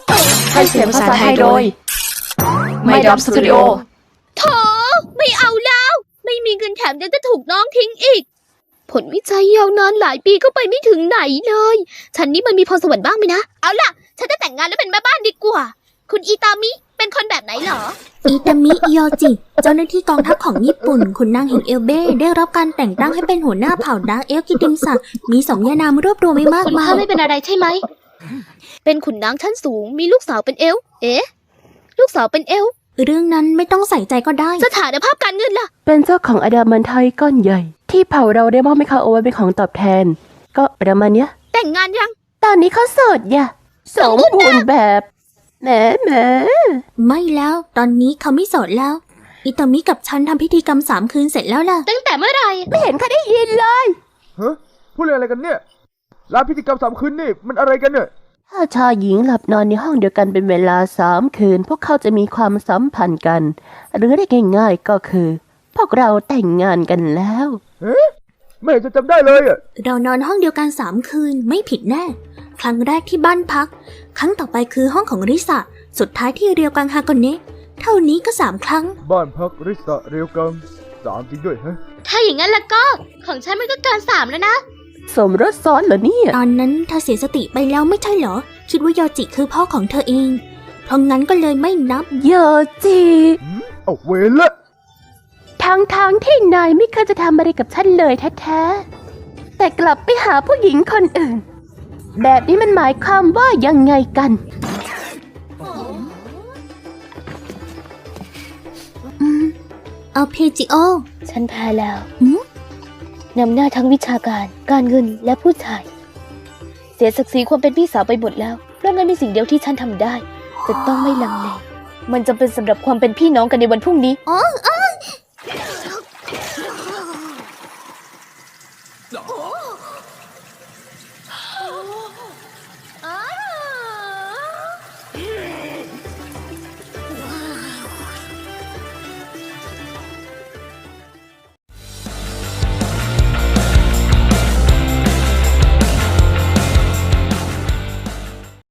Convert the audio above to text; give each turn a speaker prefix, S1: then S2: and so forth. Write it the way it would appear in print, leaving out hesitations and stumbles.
S1: ให้เสียงภาษาไทยโดยไม่ดอมสตูดิโอ
S2: โถไม่เอาแล้ว ไม่มีเงินแถมยังจะถูกน้องทิ้งอีก ผลวิจัยยาวนานหลายปีก็ไปไม่ถึงไหนเลย ฉันนี่มันมีพรสวรรค์บ้างไหมนะ เอาล่ะ ฉันจะแต่งงานแล้วเป็นแม่บ้านดีกว่า คุณอีตามิเป็นคนแบบไหนเหรอ
S3: อิตามิอิโยจิ เจ้าหน้าที่กองทัพของญี่ปุ่นขุนนางแห่งเอลเบ้ได้รับการแต่งตั้งให้เป็นหัวหน้าเผ่าดาร์กเอลกิติมศักดิ์มีสมญานามรวบรวมไว้มาก
S2: คุณ
S3: มา
S2: พ่อย ไม่เป็นอะไรใช่ไหม เป็นขุนนางชั้นสูง มีลูกสาวเป็นเอลฟ์เอ๊ะ ลูกสาวเป็นเอลฟ์
S3: เรื่องนั้นไม่ต้องใส่ใจก็ได้
S2: สถานภาพการเงินล่ะ
S1: เป็นเจ้าของอดามันไทยก้อนใหญ่ ที่เผ่าเราได้มอบให้เขาเอาไว้เป็นของตอบแทน ก็ประมาณเนี้ย
S2: แต่งงานยัง
S1: ตอนนี้เขาโสดอย่ะสมบูรณ์แบบแหม
S3: ไม่แล้วตอนนี้เขาไม่โสดแล้ว อิตามิกับฉันทำพิธีกรรม3 คืนเสร็จแล้วล่ะ
S2: ตั้งแต่เมื่อไหร่
S1: ไม่เห็นเขาได้ยินเลย
S4: ฮะพูดเรื่องอะไรกันเนี่ยร้านพิธีกรรม3 คืนนี่มันอะไรกันเนี่ย
S1: ถ้าชายหญิงหลับนอนในห้องเดียวกันเป็นเวลา3 คืน พวกเขาจะมีความสัมพันธ์กัน หรือได้ง่ายๆก็คือ พวกเราแต่งงานกันแล้ว
S4: ไม่เห็นจะจำได้เลยอ่ะ
S3: เรานอนห้องเดียวกัน3 คืนไม่ผิดแน่ ครั้งแรกที่บ้านพัก ครั้งต่อไปคือห้องของริสะสุดท้ายที่เรียวกังฮากอนเนะเท่านี้ก็3 ครั้ง
S4: บ้านพักริสะเรียวกัง3 จริงด้วยฮะ
S2: ถ้าอย่างนั้นแล้วก็ ของฉันมันก็เกิน3แล้วนะ
S1: สมรสซ้อนเหรอเนี่ย
S3: ตอนนั้นเธอเสียสติไปแล้วไม่ใช่เหรอ คิดว่ายอจิคือพ่อของเธอเอง เพราะงั้นก็เลยไม่นับ
S1: โยจิ
S4: เอาเวรละ
S1: ทั้งที่นายไม่เคยจะทำอะไรกับฉันเลยแท้ๆแต่กลับไปหาผู้หญิงคนอื่น แบบนี้มันหมายความว่ายังไงกัน
S3: เอาเพจิโอ
S2: ฉันแพ้แล้ว
S3: หืม
S2: นำหน้าทั้งวิชาการ การเงินและผู้ชาย เสียศักดิ์ศรีความเป็นพี่สาวไปหมดแล้ว เพราะงั้นมีสิ่งเดียวที่ฉันทำได้ จะต้องไม่ลังเล มันจำเป็นสำหรับความเป็นพี่น้องกันในวันพรุ่งนี้